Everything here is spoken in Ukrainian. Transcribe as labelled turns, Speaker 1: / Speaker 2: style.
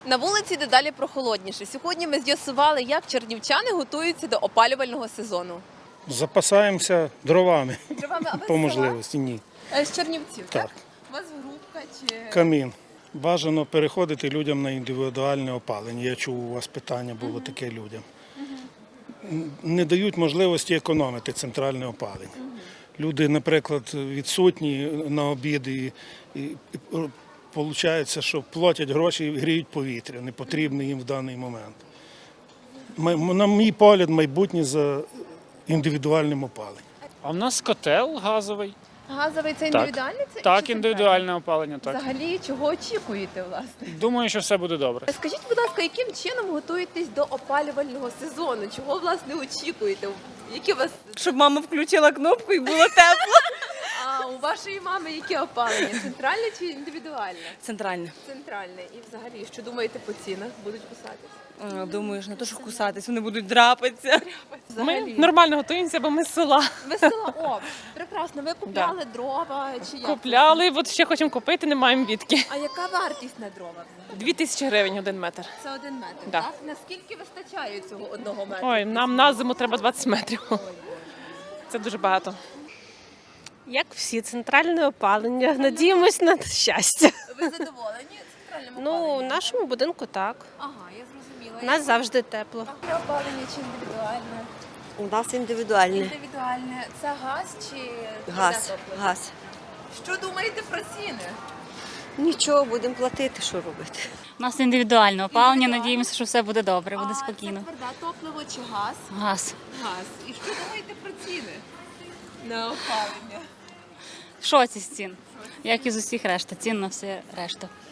Speaker 1: На вулиці дедалі прохолодніше. Сьогодні ми з'ясували, як чернівчани готуються до опалювального сезону.
Speaker 2: Запасаємося дровами
Speaker 1: Дровами, а ви
Speaker 2: по
Speaker 1: з
Speaker 2: можливості. Ні.
Speaker 1: села? З Чернівців, так?
Speaker 2: Так.
Speaker 1: У вас групка чи...
Speaker 2: Камін. Бажано переходити людям на індивідуальне опалення. Я чув, у вас питання було таке людям. Не дають можливості економити центральне опалення. Люди, наприклад, відсутні на обід і виходить, що платять гроші і гріють повітря, не потрібне їм в даний момент. На мій погляд, майбутнє за індивідуальним опаленням.
Speaker 3: А в нас котел газовий.
Speaker 1: Газовий це
Speaker 3: Так.
Speaker 1: індивідуальний? Це
Speaker 3: Так,
Speaker 1: чи
Speaker 3: індивідуальне опалення, так.
Speaker 1: Взагалі, чого очікуєте, власне?
Speaker 3: Думаю, що все буде добре.
Speaker 1: Скажіть, будь ласка, яким чином готуєтесь до опалювального сезону? Чого, власне, очікуєте? Які у вас...
Speaker 4: Щоб мама включила кнопку і було тепло.
Speaker 1: А у вашої мами яке опалення? Центральне чи індивідуальне?
Speaker 4: Центральне.
Speaker 1: Центральне. І взагалі, що думаєте по цінах? Будуть кусатись?
Speaker 4: Думаю, що не то, що кусатись, вони будуть драпатися.
Speaker 5: Ми
Speaker 1: Взагалі.
Speaker 5: нормально готуємося, бо ми з села.
Speaker 1: Весело. О, прекрасно. Ви купляли дрова чи як?
Speaker 5: Купляли, от ще хочемо купити, не маємо відки.
Speaker 1: А яка вартість на дрова?
Speaker 5: 2000 гривень 1 метр.
Speaker 1: Це 1 метр,
Speaker 5: Да.
Speaker 1: так? Наскільки вистачає цього 1 метру?
Speaker 5: Ой, нам на зиму треба 20 метрів. Це дуже багато.
Speaker 6: Як всі, центральне опалення. Надіємось на щастя.
Speaker 1: Ви задоволені центральним
Speaker 6: Ну, в
Speaker 1: опаленням?
Speaker 6: нашому будинку так.
Speaker 1: Ага, я зрозуміла.
Speaker 6: У нас завжди тепло.
Speaker 1: Яке опалення чи індивідуальне?
Speaker 4: У нас індивідуальне.
Speaker 1: Індивідуальне. Це газ чи
Speaker 4: Газ.
Speaker 1: тверде топливо?
Speaker 4: Газ.
Speaker 1: Що думаєте про ціни?
Speaker 4: Нічого, будемо платити, що робити.
Speaker 7: У нас індивідуальне опалення,
Speaker 1: Індивідуальне.
Speaker 7: надіємося, що все буде добре, буде
Speaker 1: А
Speaker 7: спокійно.
Speaker 1: це тверде топливо чи газ?
Speaker 7: Газ.
Speaker 1: Газ. І що думаєте про ціни на опалення?
Speaker 7: В шоці з цін, як і з усіх решта, цін на все решта.